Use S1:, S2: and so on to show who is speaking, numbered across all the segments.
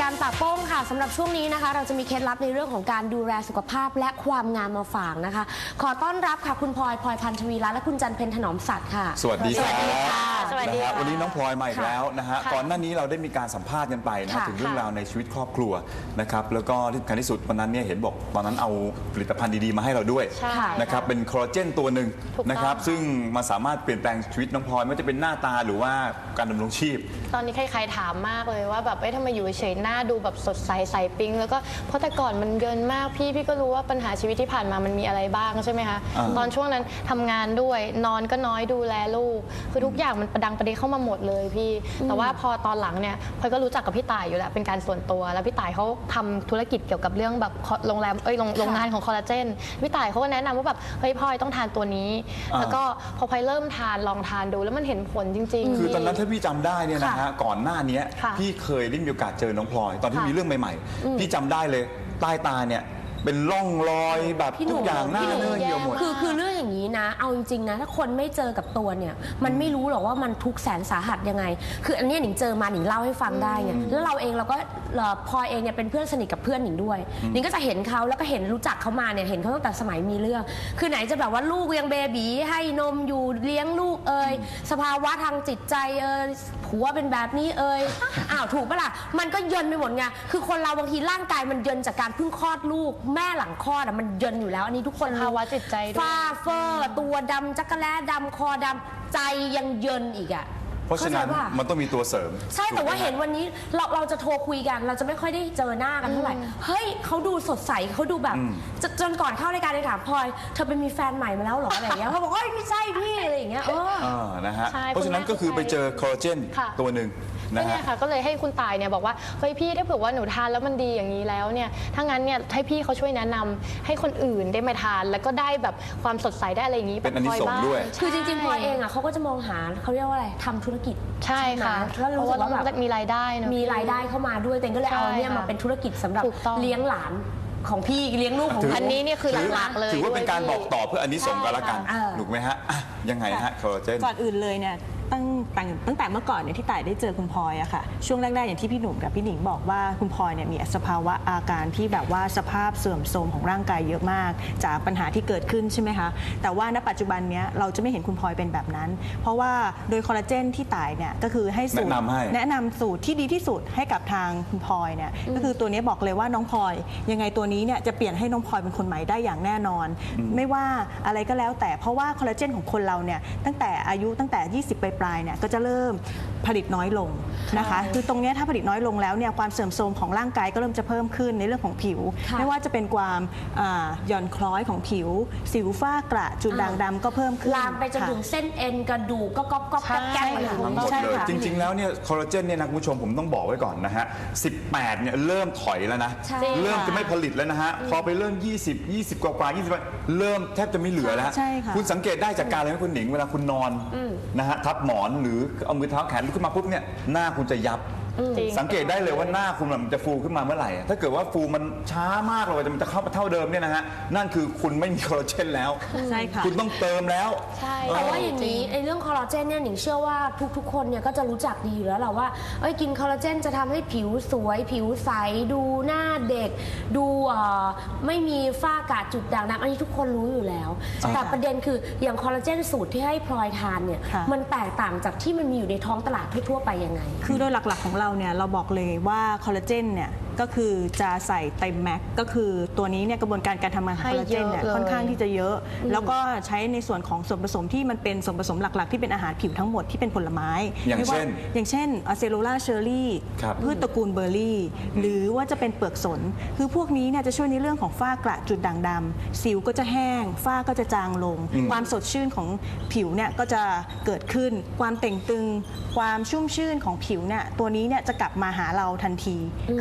S1: การปากโป้งค่ะสำหรับช่วงนี้นะคะเราจะมีเคล็ดลับในเรื่องของการดูแลสุขภาพและความงามมาฝากนะคะขอต้อนรับค่ะคุณพลอยพันธวีรัตน์และคุณจันเพ็ญถนอมสัตย์ค่ะ
S2: สวัสดีครับ
S1: สวัสดีค่ะ
S2: วันนี้น้องพลอยมาอีกแล้วนะฮะก่อนหน้านี้เราได้มีการสัมภาษณ์กันไปนะถึงเรื่องราวในชีวิตครอบครัวนะครับแล้วก็ที่สำคัญที่สุดวันนั้นเนี่ยเห็นบอกตอนนั้นเอาผลิตภัณฑ์ดีๆมาให้เราด้วยนะครับเป็นคอลลาเจนตัวหนึ่งนะครับซึ่งมาสามารถเปลี่ยนแปลงชีวิตน้องพลอยไม่ว่าจะเป็นหน้าตาหรือว่าการดำรงชีพ
S3: ตอนนี้ใครๆถามมากเลยว่าแบบทำไมอยู่เฉยหน้าดูแบบสดใสใสปิ๊งแล้วก็เพราะแต่ก่อนมันเยินมากพี่ก็รู้ว่าปัญหาชีวิตที่ผ่านมามันมีอะไรบ้างใช่ไหมคะตอนช่วงนั้นทำงานด้วยนอนก็น้อยดูแลลูกคือทุกอย่างมันประดังประเดเข้ามาหมดเลยพี่แต่ว่าพอตอนหลังเนี่ยพลอยก็รู้จักกับพี่ต่ายอยู่แล้วเป็นการส่วนตัวแล้วพี่ต่ายเขาทำธุรกิจเกี่ยวกับเรื่องแบบโรงแรมโรงงานของคอลลาเจนพี่ต่ายเขาก็แนะนำว่าแบบเฮ้ยพลอยต้องทานตัวนี้แล้วก็พอพลอยเริ่มทานลองทานดูแล้วมันเห็นผลจริงๆ
S2: คือตอนนั้นถ้าพี่จำได้เนี่ยนะฮะก่อนหน้านี้พี่เคยได้มีโอกาสเจอน้องพลอยตอนที่มีเรื่องใหม่ๆพี่จำได้เลยใต้ตาเนี่ยเป็นร่องรอยแบบทุกอย่างหน้าเนื้อเหี่ยวหมด
S1: คือเรื่องอย่างนี้นะเอาจริงๆนะถ้าคนไม่เจอกับตัวเนี่ยมันไม่รู้หรอกว่ามันทุกข์แสนสาหัสยังไงคืออันนี้หนิงเจอมาหนิงเล่าให้ฟังได้ไงแล้วเราเองเราก็พลอยเองเนี่ยเป็นเพื่อนสนิทกับเพื่อนหนิงด้วยหนิงก็จะเห็นเขาแล้วก็เห็นรู้จักเขามาเนี่ยเห็นเขาตั้งแต่สมัยมีเรื่องคือไหนจะแบบว่าลูกยังเบบีให้นมอยู่เลี้ยงลูกสภาวะทางจิตใจผัวเป็นแบบนี้อ้าวถูกปะล่ะมันก็เยินไปหมดไงคือคนเราบางทีร่างกายมันเยินจากการเพิ่งคลอดลูกแม่หลังคลอดมันเยินอยู่แล้วอันนี้ทุกคน
S3: ภาวะจิตใจด้วย
S1: ฝ้าเฟอร์ตัวดำจักรแล้ดำคอดำใจยังเยินอีกอ่ะ
S2: เพราะฉะนั้นมันต้องมีตัวเสริม
S1: ใช่แต่ว่าเห็นวันนี้เราจะโทรคุยกันเราจะไม่ค่อยได้เจอหน้ากันเท่าไหร่เฮ้ยเขาดูสดใสเขาดูแบบจนก่อนเข้ารายการเลยถามพลอยเธอไปมีแฟนใหม่มาแล้วหรออะไรอย่างเงี้ยเขาบอกว่าไม่ใช่พี่อะไรอย่างเงี้ย
S2: นะฮะเพราะฉะนั้นก็คือไปเจอคอลลาเจนตัวหนึ่ง
S3: เนี่ยค่ะก็เลยให้คุณตายเนี่ยบอกว่าเฮ้ยพี่ถ้าเผื่อว่าหนูทานแล้วมันดีอย่างนี้แล้วเนี่ยถ้างั้นเนี่ยให้พี่เขาช่วยแนะนำให้คนอื่นได้มาทานแล้วก็ได้แบบความสดใสได้อะไรอย่างนี้
S2: เป็นอันนี้ส่งด้วย
S1: คือจริงๆพลอยเองอ่ะเขาก็จะมองหาเขาเรียกว่าอะไรทำธุรกิจ
S3: ใช่ค่ะเพราะว่าต้องมีรายได้นะ
S1: มีรายได้เข้ามาด้วยแต่ก็เลยเอาเนี่ยมาเป็นธุรกิจสำหรับเลี้ยงหลานของพี่เลี้ยงลูกของ
S3: อันนี้เนี่ยคือหลักๆเลย
S2: ถือว่าเป็นการบอกต่อเพื่ออันนี้ส่งกันละกันถูกไหมฮะยังไงฮะคอลลาเจน
S4: ก่อนอื่นเลยเนี่ยตั้งแต่เมื่อก่อนเนี่ยที่ต่ายได้เจอคุณพลอยอะค่ะช่วงแรกๆอย่างที่พี่หนุ่มกับพี่หนิงบอกว่าคุณพลอยเนี่ยมีสภาวะอาการที่แบบว่าสภาพเสื่อมโทรมของร่างกายเยอะมากจากปัญหาที่เกิดขึ้นใช่ไหมคะแต่ว่าณปัจจุบันเนี้ยเราจะไม่เห็นคุณพลอยเป็นแบบนั้นเพราะว่าโดยคอลลาเจนที่ต่ายเนี่ยก็คือให้สูตรแนะนำสูตรที่ดีที่สุดให้กับทางคุณพลอยเนี่ยก็คือตัวนี้บอกเลยว่าน้องพลอยยังไงตัวนี้เนี่ยจะเปลี่ยนให้น้องพลอยเป็นคนใหม่ได้อย่างแน่นอนไม่ว่าอะไรก็แล้วแต่เพราะว่าคอลลาเจนของคนเราเนี่ยตั้งแต่20ปลายเนี่ยก็จะเริ่มผลิตน้อยลงนะคะคือตรงนี้ถ้าผลิตน้อยลงแล้วเนี่ยความเสื่อมโทรมของร่างกายก็เริ่มจะเพิ่มขึ้นในเรื่องของผิวไม่ว่าจะเป็นความหย่อนคล้อยของผิวสิวฝ้ากระจุดด่างดำก็เพิ่มขึ้น
S1: ลามไปจนถึงเส้นเอ็นกระดูกก็ก๊อบแก้ม
S2: ทั้งหมดเลยจริงๆแล้วเนี่ยคอลลาเจนเนี่ยนะคุณผู้ชมผมต้องบอกไว้ก่อนนะฮะ18เนี่ยเริ่มถอยแล้วนะเริ่มจะไม่ผลิตแล้วนะฮะพอไปเริ่ม20กว่า20เริ่มแทบจะไม่เหลือแล้วคุณสังเกตได้จากการอะไรไหมคุณหนิงเวลาคุณนอนนะฮะทับหมอนหรือเอามือเท้าแขนลุกขึ้นมาปุ๊บเนี่ยหน้าคุณจะยับสังเกตได้เลยว่าหน้าคุณมันจะฟูขึ้นมาเมื่อไหร่ถ้าเกิดว่าฟูมันช้ามากเลยมันจะเข้ามาเท่าเดิมเนี่ยนะฮะนั่นคือคุณไม่มีคอลลาเจนแล้ว
S4: ใช่ค่ะ
S2: คุณต้องเติมแล้ว
S1: แต่ว่าอย่างนี้ไอ้เรื่องคอลลาเจนเนี่ยหนิงเชื่อว่าทุกคนเนี่ยก็จะรู้จักดีอยู่แล้วแหละว่ากินคอลลาเจนจะทำให้ผิวสวยผิวใสดูหน้าเด็กดูไม่มีฝ้ากระจุดด่างดำอันนี้ทุกคนรู้อยู่แล้วแต่ประเด็นคืออย่างคอลลาเจนสูตรที่ให้พลอยทานเนี่ยมันแตกต่างจากที่มันมีอยู่ในท้องตลาดทั่วไปยังไง
S4: คือโดยหลักๆของเราเนี่ยเราบอกเลยว่าคอลลาเจนเนี่ยก็คือจะใส่เต็มแม็กก็คือตัวนี้เนี่ยกระบวนการทำงานของคอลลาเจนเนี่ยค่อนข้างที่จะเยอะแล้วก็ใช้ในส่วนของส่วนผสมที่มันเป็นส่วนผสมหลักๆที่เป็นอาหารผิวทั้งหมดที่เป็นผลไม้
S2: อย่าง
S4: เช่นอะเซโลล่าเชอร์รี่พืชตระกูลเบอร์รี่หรือว่าจะเป็นเปลือกสนคือพวกนี้เนี่ยจะช่วยในเรื่องของฝ้ากระจุดด่างดำสิวก็จะแห้งฝ้าก็จะจางลงความสดชื่นของผิวเนี่ยก็จะเกิดขึ้นความเต่งตึงความชุ่มชื่นของผิวเนี่ยตัวนี้เนี่ยจะกลับมาหาเราทันทีคือทำให้เรา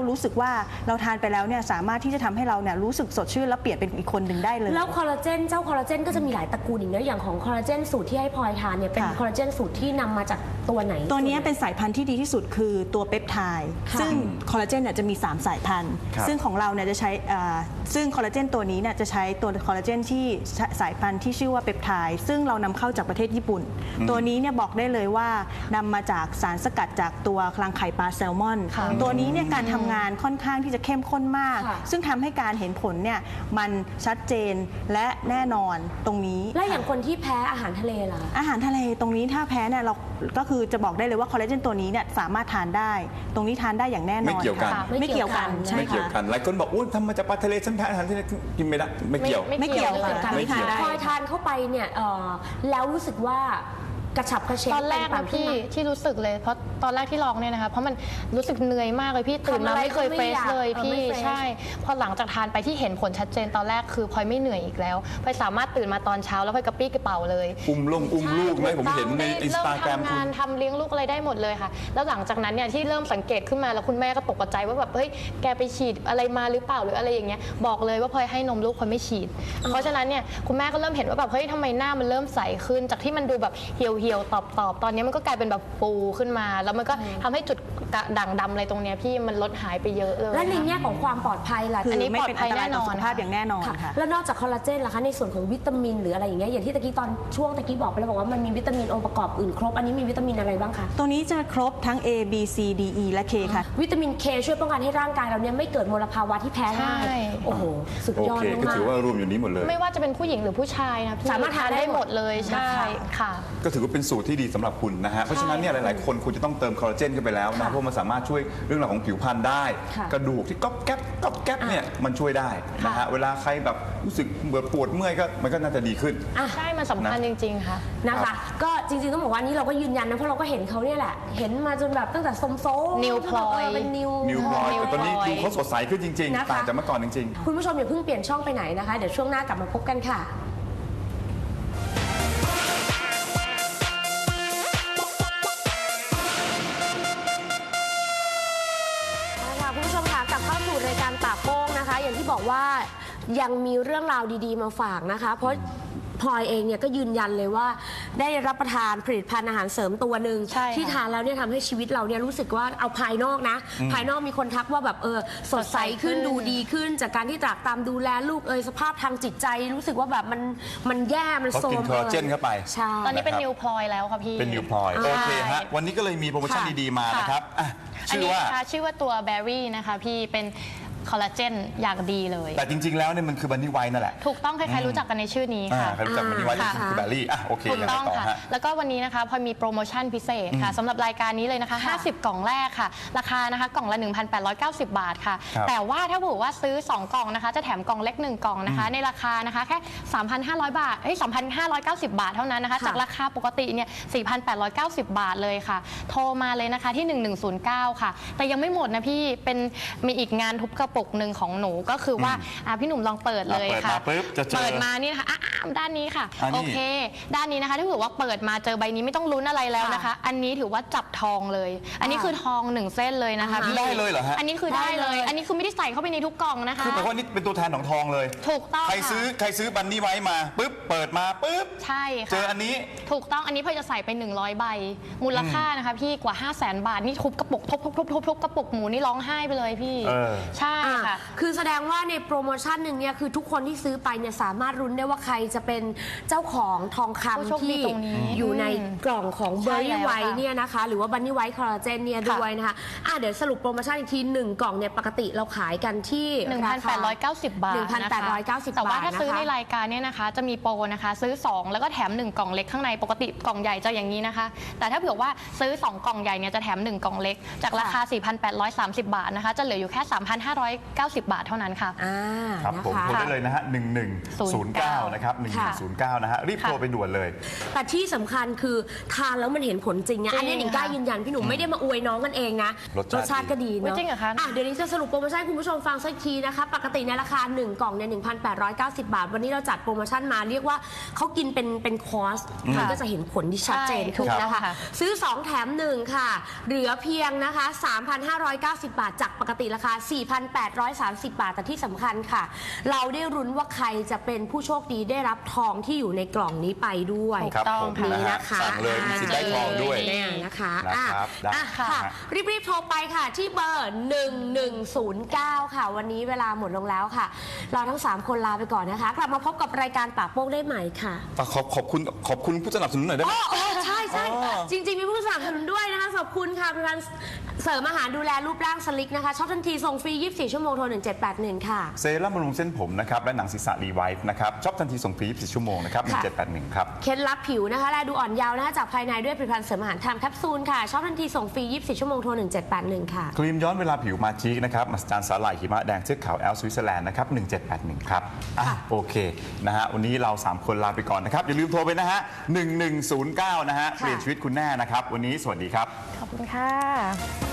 S4: รู้สึกว่าเราทานไปแล้วเนี่ยสามารถที่จะทำให้เราเนี่ยรู้สึกสดชื่นและเปลี่ยนเป็นอีกคนหนึ่งได้เลย
S1: แล้วคอลลาเจนเจ้าคอลลาเจนก็จะมีหลายตระกูลอีกนะอย่างของคอลลาเจนสูตรที่ให้พลอยทานเนี่ยเป็นคอลลาเจนสูตรที่นำมาจากตัวไหน
S4: ตัวนี้เป็นสายพันธุ์ที่ดีที่สุดคือตัวเปปไทด์ซึ่งคอลลาเจนเนี่ยจะมี3สายพันธุ์ซึ่งของเราเนี่ยจะใช้ซึ่งคอลลาเจนตัวนี้เนี่ยจะใช้ตัวคอลลาเจนที่สายพันธุ์ที่ชื่อว่าเปปไทด์ซึ่งเรานำเข้าจากประเทศญี่ปุ่นตัวนี้เนี่ยบอกได้เลยว่านำมาจากสารสกัดจากตัวคลังไข่ปลาแซลมอนตัวนี้เนี่ยการทำงานค่อนข้างที่จะเข้มข้นมากซึ่งทำให้การเห็นผลเนี่ยมันชัดเจนและแน่นอนตรงนี้
S1: และอย่างคนที่แพ้อาหารทะเลล่ะ
S4: อาหารทะเลตรงนี้ถ้าแพ้เนี่ยเราก็คือจะบอกได้เลยว่าคอลลาเจนตัวนี้เนี่ยสามารถทานได้ตรงนี้ทานได้อย่างแน่นอน
S2: ไม่เกี่ยวกัน
S4: ไม่เกี่ยวกันใช่
S2: ไม่เกี่ยวกันหลายคนบอกทำมาจากปลาทะเลฉันแพ้อาหารทะเลกินไม่ได้ไม่เกี่ยว
S4: ไม่เกี่ยวกัน
S1: ไม่ทานได้พอทานเข้าไปเนี่ยแล้วรู้สึกว่ากระฉับกระเฉง
S3: ตอนแรกนะพี่ที่รู้สึกเลยเพราะตอนแรกที่ลองเนี่ยนะคะเพราะมันรู้สึกเหนื่อยมากเลยพี่ตื่นมาไม่เคยเฟรชเลยพี่ใช่พอหลังจากทานไปที่เห็นผลชัดเจนตอนแรกคือพลอยไม่เหนื่อยอีกแล้วพลอยสามารถตื่นมาตอนเช้าแล้วพลอยกระปี้กระเป๋าเลย
S2: อุ้มลูกไหมผมเห็นในอินสตาแกรม
S3: ทำงานทำเลี้ยงลูกอะไรได้หมดเลยค่ะแล้วหลังจากนั้นเนี่ยที่เริ่มสังเกตขึ้นมาแล้วคุณแม่ก็ตกใจว่าแบบเฮ้ยแกไปฉีดอะไรมาหรือเปล่าหรืออะไรอย่างเงี้ยบอกเลยว่าพลอยให้นมลูกพลอยไม่ฉีดเพราะฉะนั้นเนี่ยคุณแม่ก็เริ่มเห็นว่าแบบเฮ้ยทำไมหน้ามันเริ่มใสขึ้นจากที่มันดูแบบเหี่ยวตอบตอนนี้มันก็กลายเป็นแบบฟูขึ้นมาแล้วมันก็ทำให้จุดด่างดำอะไรตรงนี้พี่มันลดหายไปเยอะเลย
S1: และในแง่ของความปลอดภัยล่ะ
S4: อันนี้ปลอดภัยแน่นอนสุขภาพอย่างแน่นอนค่ะ
S1: แล้วนอกจากคอลลาเจนล่ะคะในส่วนของวิตามินหรืออะไรอย่างเงี้ยอย่างที่ตะกี้ตอนช่วงตะกี้บอกไปแล้วบอกว่ามันมีวิตามินองค์ประกอบอื่นครบอันนี้มีวิตามินอะไรบ้างคะ
S4: ตัวนี้จะครบทั้ง A B C D E และ K ค่ะ
S1: วิตามิน K ช่วยป้องกันให้ร่างกายเราเนี่ยไม่เกิดมลภาวะที่แพ้ง่ายโอ้โหสุดยอดมาก
S2: ก็ถือว่ารวมอยู่นี้หมดเลย
S3: ไม่ว่าจะเป็นผู้หญิงหรือผู้ชายนะ
S1: สามารถทานได้หมด
S3: เลยใช่ค่ะ
S2: ก็ถือว่าเป็นสูตรที่ดีสำหรับคุณนะฮะเพราะฉะนั้นเนี่ยหลายๆคนคุณจะต้องเติมคอลลาเจนกันไปแล้วนะเพราะมันสามารถช่วยเรื่องราวของผิวพรรณได้กระดูกที่ก๊อบแก๊บเนี่ยมันช่วยได้นะฮะเวลาใครแบบรู้สึกเบื่อปวดเมื่อยก็มันก็น่าจะดีขึ้น
S3: ใช่มันสำคัญจริงๆค่ะ
S1: นะคะก็จริงๆต้องบอกว่านี้เราก็ยืนยันนะเพราะเราก็เห็นเขาเนี่ยแหละเห็นมาจนแบบตั้งแต่โซ
S3: นิวพลอย
S1: เป็นนิว
S2: พลอยแต่ตอนนี้ดูเขาสดใสขึ้นจริงๆต่างจากเมื่อก่อนจริง
S1: ๆคุณผู้ชมอย่าเพิ่งเปลี่ยนช่องไปไหนนะคะเดี๋ยวช่วงหน้ากลับมาพบกันค่ะคุณผู้ชมค่ะกลับเข้าสู่รายการปากโป้งนะคะอย่างที่บอกว่ายังมีเรื่องราวดีๆมาฝากนะคะเพราะพลอยเองเนี่ยก็ยืนยันเลยว่าได้รับประทานผลิตภัณฑ์อาหารเสริมตัวหนึ่งที่ทานแล้วเนี่ยทำให้ชีวิตเราเนี่ยรู้สึกว่าเอาภายนอกนะภายนอกมีคนทักว่าแบบสดใสขึ้นดูดีขึ้นจากการที่ตรากตามดูแลลูกสภาพทางจิตใจรู้สึกว่าแบบมันแย่มันโซม
S2: กินคอลลาเจนเข้าไป
S1: ใช่
S3: ตอนนี้เป็นนิวพลอยแล้วค่ะพี่
S2: เป็นนิวพลอยโอเคฮะวันนี้ก็เลยมีโปรโมชั่นดีๆมานะครับ
S3: ชื่อว่าตัวแบร์รี่นะคะพี่เป็นคอลลาเจนอย่างดีเลย
S2: แต่จริงๆแล้วเนี่ยมันคือบันนี่ไวท์นั่นแหละ
S3: ถูกต้องใครๆรู้จักกันในชื่อนี้ค่ะ
S2: ใครรู้จักบันนี่ไวท์คือแบร์รี่โอเค
S3: ถูกต้องค่ะแล้วก็วันนี้นะคะพอมีโปรโมชั่นพิเศษค่ะสำหรับรายการนี้เลยนะคะ50กล่องแรกค่ะราคานะคะกล่องละ 1,890 บาทค่ะแต่ว่าถ้าบอกว่าซื้อ2กล่องนะคะจะแถมกล่องเล็ก1กล่องนะคะในราคานะคะแค่ 3,500 บาท3,590 บาทเท่านั้นนะคะจากราคาปกติเนี่ย 4,890 บาทเลยค่ะโทรมาเลยนะคะที่1109ค่ะแต่ยังไม่หมดนะพี่มีอีกงานทุบกระปุกหนึ่งของหนูก็คือว่าพี่หนุ่มลองเปิดเลยค่ะเปิดมานี่นะคะด้านนี้ค่ะโอเคด้านนี้นะคะถ้าถือว่าเปิดมาเจอใบนี้ไม่ต้องลุ้นอะไรแล้วนะคะอันนี้ถือว่าจับทองเลยอันนี้คือทอง1เส้นเลยนะคะพี่
S2: ได้เลยเหรอฮะ
S3: อันนี้คือได้เลยอันนี้คือไม่ได้ใส่เข้าไปในทุกกล่องนะคะ
S2: คือแปลว่านี่เป็นตัวแทนของทองเลย
S3: ถูกต้อง
S2: ใครซื้อบันนี่ไว้มาปุ๊บเปิดมาปุ๊บ
S3: ใช่ค่ะ
S2: เจออันนี้
S3: ถูกต้องอันนี้เพื่อจะใส่ไป100ใบมูลค่านะคะพี่กว่า 500,000 บาทนี่ทุบกระปุกทุบกระปุกหมูนี่ร้องไห้ไปเลยพี่ใช่ค่ะ
S1: คือแสดงว่าในโปรโมชั่นหนึ่งเนี่ยคือทุกคนที่ซื้อไปเนี่ยสามารถรุ้นได้ว่าใครจะเป็นเจ้าของทองคำที่อยู่ในกล่องของเบอร์รี่ไวท์เนี่ยนะคะหรือว่าบันนี่ไวท์คอลลาเจนเนี่ยด้วยนะคะเดี๋ยวสรุปโปรโมชั่นอีกที1กล่องเนี่ยปกติเราขายกันที่
S3: 1,890 บาท
S1: 1,890
S3: แต่ว่าถ้าซื้อในรายการเนี่ยนะคะจะมีโปรนะคะซื้อ2แล้วก็แถม1กล่องเล็กข้างในปกติกล่องใหญ่จะอย่างนี้นะคะแต่ถ้าเผื่อว่าซื้อ2กล่องใหญ่เนี่ยจะแถม1กล่องเล็กจากราคา 4,830 บาทนะคะจะเหลืออยู่แค่ 3,590 บาทเท่านั้นค่ะ
S2: ครับผมโทรได้เลยนะฮะ1109นะครับ 1109นะฮะรีบโทรไปด่วนเลย
S1: แต่ที่สำคัญคือทานแล้วมันเห็นผลจริงนะ
S3: จริง
S1: อันนี้หนิงกล้ายืนยันพี่หนุ่มไม่ได้มาอวยน้องกันเองนะ
S2: รสชาติ
S1: ก็ดี
S3: อุ๊ย
S1: เนาะ
S3: จริงเหรอคะ
S1: เดี๋ยวนี้จะสรุปโปรโมชั่นให้คุณผู้ชมฟังสักทีนะคะปกติในราคา1กล่องเนี่ย1,890 บาทวันนี้เราจัดโปรโมชั่นมาเรียกว่าเขากินเป็นคอร์สมันก็จะเห็นผลที่ชัดเจนขึ้น
S3: ใช่
S1: นะคะ
S3: ค่ะ
S1: ซื้อ 2 แถม 1 ค่ะ เหลือเพียงนะคะ 3,590 บาท จากปกติราคา 4,830 บาท แต่ที่สำคัญค่ะ เราได้รุ้นว่าใครจะเป็นผู้โชคดีได้รับทองที่อยู่ในกล่องนี้ไปด้วย
S3: ถูก
S2: ครับ
S3: ต้อง
S2: ผม
S3: ค่ะ
S1: นี่นะคะ
S2: สั่งเลยมีสิทธิ์ได้ทองด้วย
S1: เนี่ยนะคะ
S2: นะครับได้
S1: ค่ะ รีบๆโทรไปค่ะที่เบอร์ 1109 ค่ะ วันนี้เวลาหมดลงแล้วค่ะ เราทั้ง 3 คนลาไปก่อนนะคะ กลับมาพบกับรายการปากโป้งได้ใหม่ค่ะ
S2: ขอบคุณผู้สนับสนุนหน่อยได้ไหม
S1: ใช่ใช่
S2: อ๋อ
S1: จริง ๆ มีผู้สนับสนุนด้วยนะคะ ขอบคุณค่ะเป็นการเสริมอาหารดูแลรูปร่างสลิกนะคะช็อปทันทีส่งฟรี 24 ชั่วโมงโทร 1781 ค่ะ
S2: เซรั่มบำรุงเส้นผมนะครับและหนังศีรษะรีไวท์นะครับช็อปทันทีส่งฟรี24ชั่วโมงนะครับ1781ครับ
S1: เคล็ดลับผิวนะคะและดูอ่อนเยาว์นะคะจากภายในด้วยผลิตภัณฑ์เสริมอาหารไทม์แคปซูลค่ะช็อปทันทีส่งฟรี 24 ชั่วโมงโทร 1781 ค่ะ
S2: ครีมย้อนเวลาผิวมาจิกนะครับมหัศจรรย์สาหร่ายหิมะแดงเชือกขาวแอลสวิตเซอร์แลนด์นะครับ1781ครับโอเคนะฮะวันนี้เรา 3 คนลาไปก่อนนะครับอย่าลืมโทรไปนะฮะ1109นะฮะเปลี่ยนชีวิตคุณแน่นะครับวันนี้สวัสดีครับ
S3: ขอบคุณค่ะ